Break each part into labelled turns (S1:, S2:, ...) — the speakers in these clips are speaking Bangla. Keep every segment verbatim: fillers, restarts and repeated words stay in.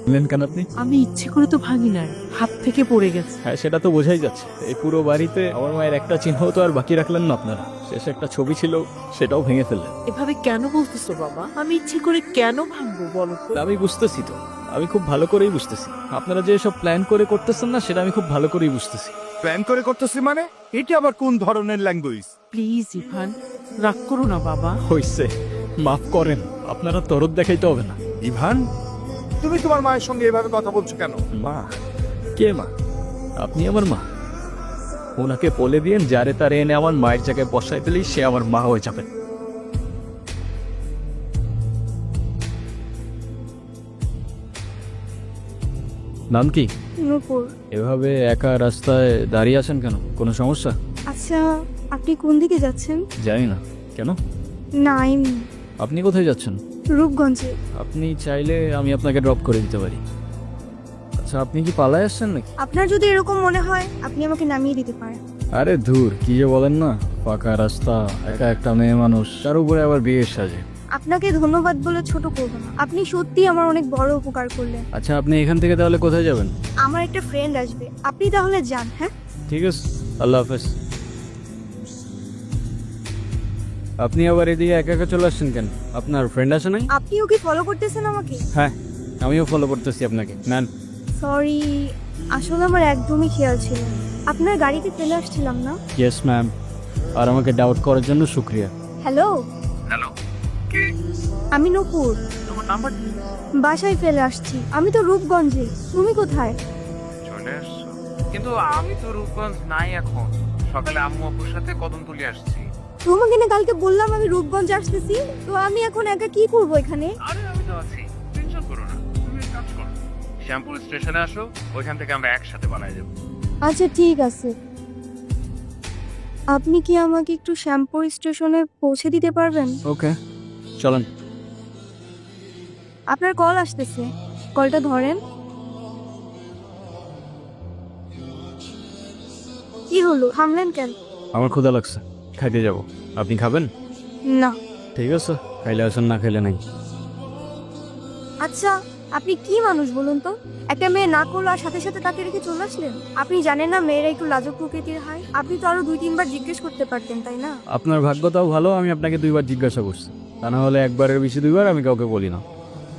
S1: বললেন কেন আপনি?
S2: আমি ইচ্ছে করে তো ভাঙি নাই, হাত থেকে পড়ে গেছে।
S1: হ্যাঁ, সেটা তো বোঝাই যাচ্ছে। এই পুরো বাড়িতে আমার মায়ের একটা চিহ্ন তো আর বাকি রাখলেন না আপনারা। শেষে একটা ছবি ছিল, সেটাও ভেঙে ফেললেন।
S2: এভাবে কেন বলতেছো বাবা? আমি ইচ্ছে করে কেন ভাঙবো বলো তো?
S1: আমি বুঝতেছি তো, আমি খুব ভালো করেই বুঝতেছি। আপনারা যে সব প্ল্যান করে করতেছেন না, সেটা আমি খুব ভালো করেই বুঝতেছি।
S3: প্ল্যান করে করতেছি মানে? এটা আবার কোন ধরনের ল্যাঙ্গুয়েজ?
S2: প্লিজ ইভান, রাগ করো না বাবা।
S1: হইছে, মাফ করেন। আপনারা তরদ দেখাইতে হবে না।
S3: ইভান, তুমি তোমার মায়ের সঙ্গে এভাবে কথা বলছো কেন?
S1: মা? কে মা? আপনি আমার মা। ওনাকে বলে দিয়েন যারে তারে এনে আমার মায়ের জায়গায় বসাই দিলেই সে আমার মা হয়ে যাবে। নাম কি?
S4: নূপুর।
S1: এভাবে একা রাস্তায় দাঁড়িয়ে আছেন কেন? কোনো সমস্যা?
S4: আচ্ছা, আপনি কোন দিকে যাচ্ছেন?
S1: জানি না। কেন?
S4: না, এমনি।
S1: আপনি কোথায় যাচ্ছেন?
S4: রূপগঞ্জে।
S1: আপনি চাইলে আমি আপনাকে ড্রপ করে দিতে পারি। আচ্ছা, আপনি কি পালায় আসছেন নাকি?
S4: আপনার যদি এরকম মনে হয়, আপনি আমাকে নামিয়ে দিতে পারেন।
S1: আরে ধুর, কি যে বলেন না। ফাঁকা রাস্তা, একা একটা মেয়ে মানুষ, তার উপরে আবার বিয়ের সাজে।
S4: আপনাকে ধন্যবাদ বলে ছোট করব না। আপনি সত্যি আমার অনেক বড় উপকার করলেন।
S1: আচ্ছা, আপনি এখান থেকে তাহলে কোথায় যাবেন?
S4: আমার একটা ফ্রেন্ড আসবে, আপনি তাহলে যান। হ্যাঁ,
S1: ঠিক আছে, আল্লাহ হাফেজ। আপনি আবার এদিকে একা একা চলে আসছেন কেন? আপনার ফ্রেন্ড আছে নাই?
S4: আপনিও কি ফলো করতেছেন আমাকে?
S1: হ্যাঁ, আমিও ফলো করতেছি আপনাকে। নেন।
S4: সরি, আসলে আমার একদমই খেয়াল ছিল না। আপনার গাড়িতে ফেলে আসছিলাম না?
S1: Yes ma'am. আর আমাকে ডাউট করার জন্য শুক্রিয়া।
S4: হ্যালো,
S5: হ্যালো, কে?
S4: আমি নূপুর।
S5: তোমার নাম্বার
S4: বাসায় ফেলে আসছি। আমি তো রূপগঞ্জে। তুমি কোথায়?
S5: চলে আসছো? কিন্তু আমি তো রূপগঞ্জ নাই এখন। সকালে আম্মু আপুর সাথে কদমতলি আসছি।
S4: তোমাকে না কালকে বললাম আমি রূপগঞ্জ আসতেছি, তো আমি এখন একা কি করব এখানে?
S5: আরে আমি তো আছি, টেনশন করো না। তুমি এক কাজ করো, শ্যামপুর স্টেশনে আসো, ওইখান থেকে আমরা একসাথে বানাই যাবো।
S4: আচ্ছা, ঠিক আছে। আপনি কি আমাকে একটু শ্যামপুর স্টেশনে পৌঁছে দিতে পারবেন?
S1: ওকে, চলেন।
S4: আপনার কল আসতেছে, কলটা ধরেন। কি হলো, থামলেন কেন?
S1: আমার ক্ষুধা লাগছে, খাইতে যাব। আপনি খাবেন?
S4: না।
S1: ঠিক আছে, খাইলে আসেন, না খাইলে নাই।
S4: আচ্ছা, আপনি কি মানুষ বলুন তো? একটা মেয়ে না করলো আর সাথে সাথে তাকে রেখে চলে আসলেন? আপনি জানেন না মেয়েরা একটু লাজুক প্রকৃতির হয়? আপনি তো আরো দুই তিনবার জিজ্ঞেস করতে পারতেন, তাই না?
S1: আপনার ভাগ্যটাও ভালো, আমি আপনাকে দুইবার জিজ্ঞাসা করছি। তা না হলে একবারের বেশি দুইবার আমি কাউকে বলি না।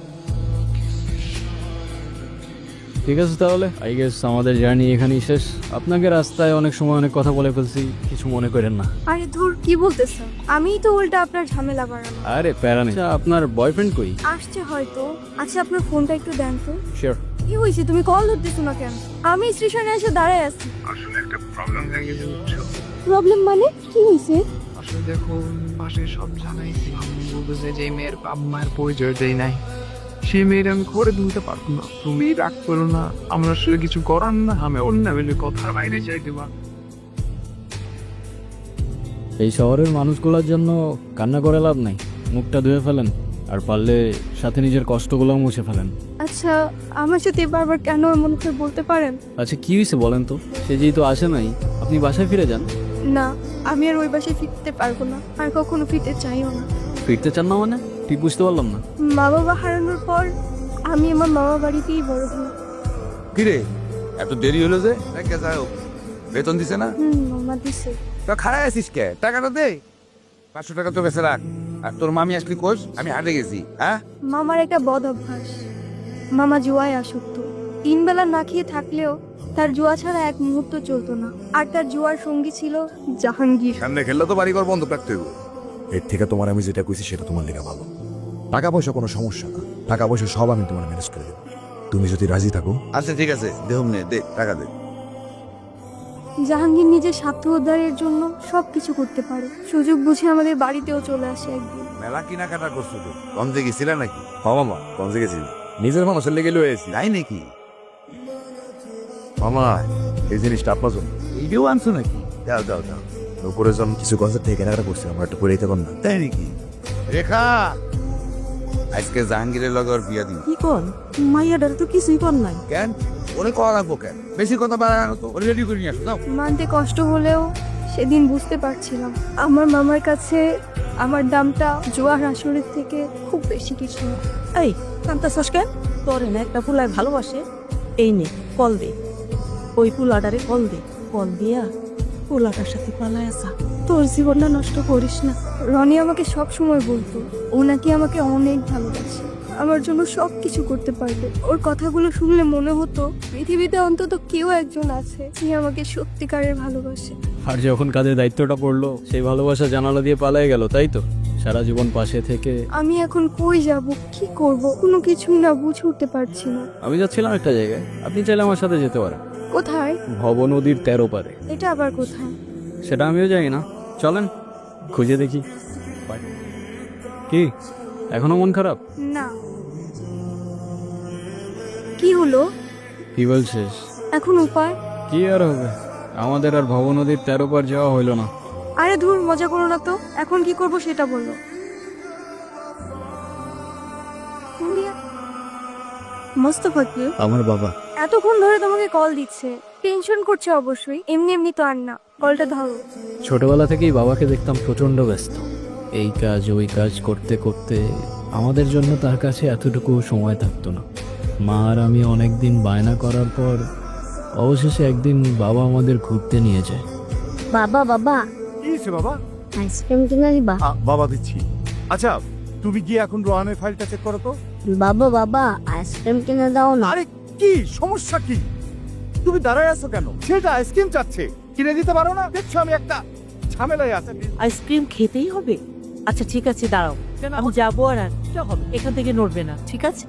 S1: ঠিক আছে, তাহলে আই গেস আমাদের জার্নি এখানেই শেষ। আপনাকে রাস্তায় অনেক সময় অনেক কথা বলে ফেলছি, কিছু মনে করেন না।
S4: আরে ধুর, কি বলতেছেন? আমিই তো উল্টা আপনার ঝামেলা বাড়ানো।
S1: আরে প্যারা নেই। আচ্ছা, আপনার বয়ফ্রেন্ড কই?
S4: আসছে হয়তো। আচ্ছা, আপনার ফোনটা একটু দেন তো।
S1: শিওর।
S4: কি হয়েছে, তুমি কল ধরতেছো না কেন? আমি স্টেশনে এসে দাঁড়ায় আছি।
S5: আসলে একটা প্রবলেম দেখে বুঝছো?
S4: প্রবলেম মানে কি হয়েছে?
S5: আসলে দেখো, পাশে সব জানাইছি। আম্মু বলতেছে যে এই মেয়ের বাপ মায়ের পরিচয় দেয় নাই, সেই মেয়ের আমি করে তুলতে পারবো না। তুমি রাগ করো না, আমরা আসলে কিছু করার না। আমি অন্য বেলে কথার বাইরে যাই দেবা।
S1: এই শহরের মানুষগুলোর জন্য কান্না করে লাভ নাই। মুখটা ধুয়ে ফেলেন, আর পারলে সাথে নিজের কষ্টগুলোও মুছে ফেলেন।
S4: আচ্ছা, আমার সাথে বারবার কেন এমন করে বলতে পারেন?
S1: আচ্ছা, কি হয়েছে বলেন তো? সে যেহেতু আসে নাই, আপনি বাসায় ফিরে যান।
S4: না, আমি আর ওই বাসায় ফিরতে পারবো না, আর কখনো ফিরতে চাইও না।
S1: ফিরতে চান না মানে? ঠিক বুঝতে পারলাম না।
S4: মা বাবা হারানোর পর আমি আমার মামা বাড়িতেই বড় হই।
S3: কিরে, এত দেরি হলো যে? কে যাই হোক, বেতন দিছে না?
S4: হুম, মামা দিছে।
S3: তো খারাপ আছিস কে? টাকাটা দে। পাঁচশো টাকা তো বেঁচে রাখ। আর তোর মামি আসলি কোষ? আমি হাটে গেছি। হ্যাঁ,
S4: মামার একটা বদ অভ্যাস। মামা জুয়ায় আসক্ত। তিন বেলা না খেয়ে থাকলেও তার জুয়া ছাড়া এক মুহূর্ত চলতো না। আর তার জুয়ার সঙ্গী ছিল জাহাঙ্গীর।
S3: সামনে খেললে তো বাড়িঘর বন্ধ রাখতে হইব। এর থেকে তোমার আমি যেটা কইছি সেটা তোমার লেগে ভালো। টাকা পয়সা কোনো সমস্যা না, টাকা পয়সা সব আমি তোমার ম্যানেজ করে দেবো, তুমি যদি রাজি থাকো। আচ্ছা ঠিক আছে, দেহম নে, দে টাকা দে।
S4: জাহাঙ্গীর নিজের স্বার্থ উদ্ধারের জন্য সবকিছু করতে পারে। সুযোগ বুঝে আমাদের বাড়িতেও চলে আসে একদিন।
S3: মেলা কেনাকাটা করছো তো? গঞ্জে গেছিলা নাকি? হ মামা, গঞ্জে গেছি। নিজের মানুষের লেগে লয়ে এসি। তাই নাকি? মামা, এই জিনিসটা আপনার জন্য। এইটাও আনছো নাকি? দাও দাও দাও। উপরের জন্য কিছু গঞ্জের থেকে কেনাকাটা করছি, আমার একটু করে দিতে পার না? তাই নাকি? রেখা, আজকে জাহাঙ্গীরের লগে ওর বিয়া দিন।
S2: কি কন? মাইয়াডার তো কিছুই কর নাই।
S3: কেন? ওরে করা রাখবো কেন? বেশি কথা বাড়ানো তো, ওরে রেডি করে নিয়ে আসো। দাও।
S4: মানতে কষ্ট হলেও সেদিন বুঝতে পারছিলাম আমার মামার কাছে আমার দামটা জুয়ার আসরের থেকে খুব বেশি কিছু না।
S2: এই কান্তাছস কেন? তোরে না একটা পুলায় ভালোবাসে, এই নে কল দে, ওই পুলাটারে কল দে, কল দিয়া পুলাটার সাথে পালায় আসা।
S4: তোর জীবনটা নষ্ট করিস না। রনি আমাকে সব সময় বলতো ও নাকি আমাকে অনেক ভালোবাসে, আমার জন্য সব কিছু করতে পারবে। ওর কথাগুলো শুনলে মনে হতো পৃথিবীতে অন্তত কেউ একজন আছে যে আমাকে সত্যিকারের ভালোবাসে।
S1: আর যখন কাজের দায়িত্বটা পড়লো সেই ভালোবাসা জানালা দিয়ে পালিয়ে গেল, তাই তো? সারা জীবন পাশে থেকে
S4: আমি এখন কই যাব, কি করব, কোনো কিছুই না বুঝে উঠতে পারছি না।
S1: আমি যাচ্ছিলাম একটা জায়গায়, আপনি চাইলে আমার সাথে যেতে পারেন।
S4: কোথায়?
S1: ভব নদীর তেরো পারে।
S4: এটা আবার কোথায়?
S1: সেটা আমিও জানি না, চলেন খুঁজে দেখি। Bye. কি এখনো মন খারাপ?
S4: না। কি হলো?
S1: কি বলছিস?
S4: এখন উপায়?
S1: কি আর হবে, আমাদের আর ভব নদীর তেরো পার যাওয়া হইলো না।
S4: আরে ধুর, মজা করো না তো। এখন কি করব সেটা বলো। মোস্তফা কি?
S1: আমার বাবা।
S4: এতক্ষণ ধরে তোমাকে কল দিচ্ছে, টেনশন করছে অবশ্যই। এমনি এমনি তো আর না, কলটা ধরো।
S1: ছোটবেলা থেকেই বাবাকে দেখতাম প্রচণ্ড ব্যস্ত, এই কাজ ওই কাজ করতে করতে আমাদের জন্য তার কাছে এতটুকু সময় থাকতো না। মা আর আমি অনেক দিন বায়না করার পর অবশেষে একদিন বাবা আমাদের ঘুরতে নিয়ে যায়।
S6: বাবা বাবা
S7: কি হয়েছে বাবা?
S6: আইসক্রিম কিনে দিবা?
S7: আ, বাবা দিচ্ছি। আচ্ছা তুমি গিয়ে এখন রোহানের ফাইলটা চেক করো তো।
S6: বাবা বাবা আইসক্রিম কিনে দাও না।
S7: আরে কি সমস্যা কি? তুমি দাঁড়ায় আছো কেন? সেটা আইসক্রিম চাচ্ছে, কিনে দিতে পারো না? দেখছো আমি একটা ঝামেলায় আছি।
S2: আইসক্রিম খেতেই হবে? আচ্ছা ঠিক আছে, দাঁড়াও, আমি যাবো আর আনতে হবে, এখান থেকে নড়বে না, ঠিক আছে?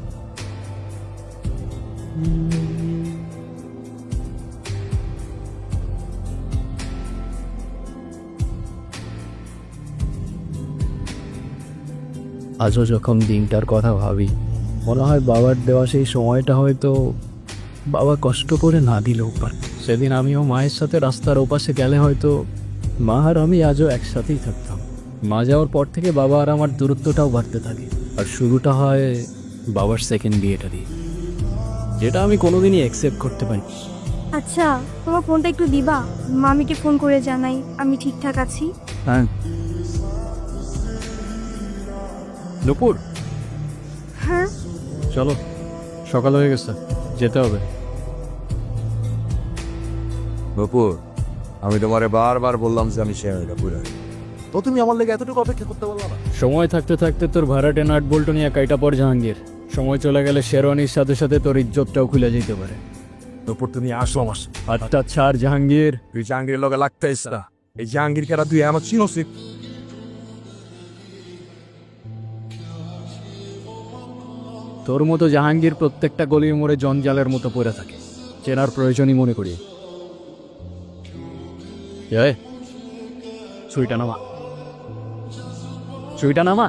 S1: আজও যখন দিনটার কথা ভাবি মনে হয় বাবার দেওয়া সেই সময়টা হয়তো বাবা কষ্ট করে না দিলেও পারে। সেদিন আমিও মায়ের সাথে রাস্তার ওপাশে গেলে হয়তো মা আর আমি আজও একসাথেই থাকতাম। মা যাওয়ার পর থেকে বাবা আর আমার দূরত্বটাও বাড়তে থাকে, আর শুরুটা হয় বাবার সেকেন্ড বিয়েটা দিয়ে, যেটা আমি কোনোদিনই অ্যাকসেপ্ট করতে পারি।
S4: আচ্ছা, তোমার ফোনটা একটু দিবা? মামিকে ফোন করে জানাই আমি ঠিকঠাক আছি।
S1: হ্যাঁ দুপুর,
S4: হ্যাঁ
S1: চলো সকাল হয়ে গেছে, যেতে হবে।
S3: বপুর, আমি তোমারে বারবার বললাম যে আমি শেয়ারটা পুরো, তো তুমি আমার লেগে এতটুকু অপেক্ষা করতে বললা না?
S1: সময় থাকতে থাকতে তোর ভাড়াটে নাট বল্টু নিয়ে কাইটা পর জাহাঙ্গীর, সময় চলে গেলে শেরওয়ানির সাথে সাথে তোর ইজ্জতটাও খুলে যেতে পারে।
S3: বপুর তুমি আসো আমার সাথে।
S1: আচ্ছা ছাড় জাহাঙ্গীর।
S3: তুই জাহাঙ্গীরের লগে লাগতেইস না। এই জাহাঙ্গীর কেরা তুই আমার চিনছিস?
S1: তোর মতো জাহাঙ্গীর প্রত্যেকটা গলির মোড়ে জঞ্জালের মতো পড়ে থাকে, চেনার প্রয়োজনই মনে করি। জয়, ছুইটা নামা, ছুইটা নামা।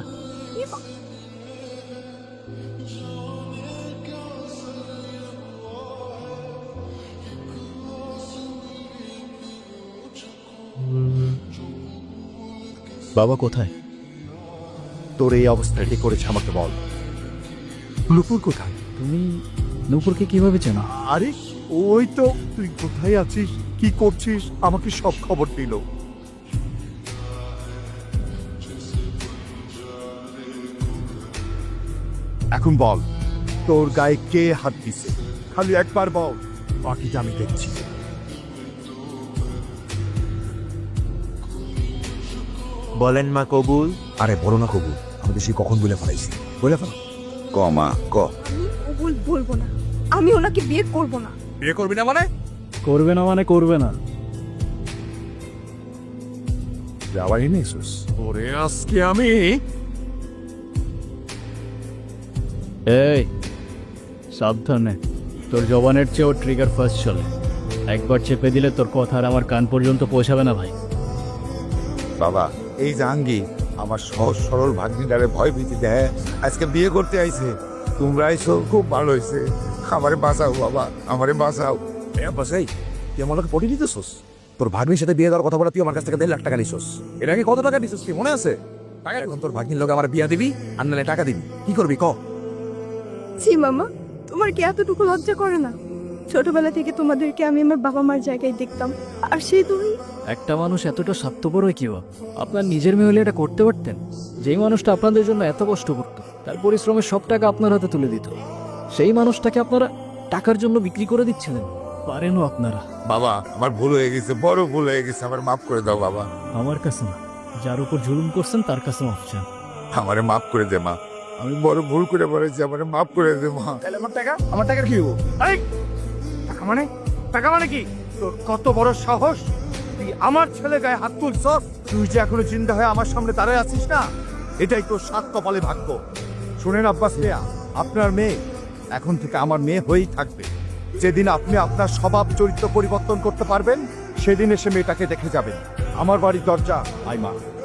S1: বাবা কোথায়?
S7: তোর এই অবস্থা কি করেছে আমাকে বল। নুপুর কোথায়?
S1: তুমি নূপুরকে কিভাবে চেনো?
S7: আরে ওই তো, তুই কোথায় আছিস, কি করছিস, আমাকে সব খবর দিল। এখন বল, তোর গায়ে কে হাত দিছে? খালি একবার বল, বাকিটা আমি দেখছি।
S3: বলেন মা কবুল। আরে বলো না কবুল, আমি বেশি কখন বলে ফেলাইছি? বলে ফেলা ক মা ক।
S4: আমি ওগুল বলবো না, আমি ওনাকে বিয়ে করব না।
S3: বিয়ে করবি না মানে?
S1: করবে না মানে করবে না।
S3: যাওয়াই নেই সুস। ওরে আজকে আমি
S1: এই সাবধানে, তোর জবানের চেয়েও ট্রিগার ফার্স্ট চলে, একবার চেপে দিলে তোর কথা আর আমার কান পর্যন্ত পৌঁছাবে না ভাই।
S3: বাবা, এই জাহাঙ্গীর আমার সহজ সরল ভাগ্নিটারে ভয় ভীতি দেয়, আজকে বিয়ে করতে আইছে। তোমরা আইছো খুব ভালো হয়েছে। আমারে বাঁচাও বাবা, আমারে বাঁচাও। এ বাসাই, তুই আমার লোকে পটি দিতেছোস? তোর ভাগ্নির সাথে বিয়ে দেওয়ার কথা বলে তুই আমার কাছ থেকে দেড় লাখ টাকা নিছোস। এর আগে কত টাকা নিছোস কি মনে আছে? এখন তোর ভাগ্নির লোক আমার বিয়া দিবি আর নাহলে টাকা দিবি, কি করবি ক?
S4: জি মামা, তোমার কি এতটুকু লজ্জা করে না? ছোটবেলা থেকে তোমাদেরকে আমি আমার বাবা মার জায়গায় দেখতাম, আর সেই তুমি
S1: একটা মানুষ এতটা স্বার্থপর হয় কিও? আপনার নিজের মেয়ে হলে এটা করতে পারতেন? যেই মানুষটা আপনাদের জন্য এত কষ্ট করত, তার পরিশ্রমের সব টাকা আপনার হাতে তুলে দিত, সেই মানুষটাকে আপনারা টাকার জন্য বিক্রি করে দিচ্ছিলেন। পারেনও আপনারা।
S3: বাবা আমার ভুল হয়ে গেছে, বড় ভুল হয়ে গেছে, আমার মাফ করে দাও বাবা।
S1: আমার কাছে না, যার উপর জুলুম করছেন তার কাছে মাফ চান।
S3: আমারে মাফ করে দে মা, আমি বড় ভুল করে বলেছি, আমারে মাফ করে দে মা।
S7: তাহলে আমার টাকা আমার টাকার কি হবো? এই, টাকা মানে টাকা মানে কি? তোর কত বড় সাহস, তুই আমার ছেলে গায়ে হাত তুলছস? তুই যে এখনো চিন্তা হয়ে আমার সামনে দাঁড়ায় আছিস না, এটাই তোর সাত কপালে ভাগ্য। শুনেন আব্বাস মিয়া, আপনার মেয়ে এখন থেকে আমার মেয়ে হয়েই থাকবে। যেদিন আপনি আপনার স্বভাব চরিত্র পরিবর্তন করতে পারবেন, সেদিন এসে মেয়েটাকে দেখে যাবেন। আমার বাড়ির দরজা আইমা।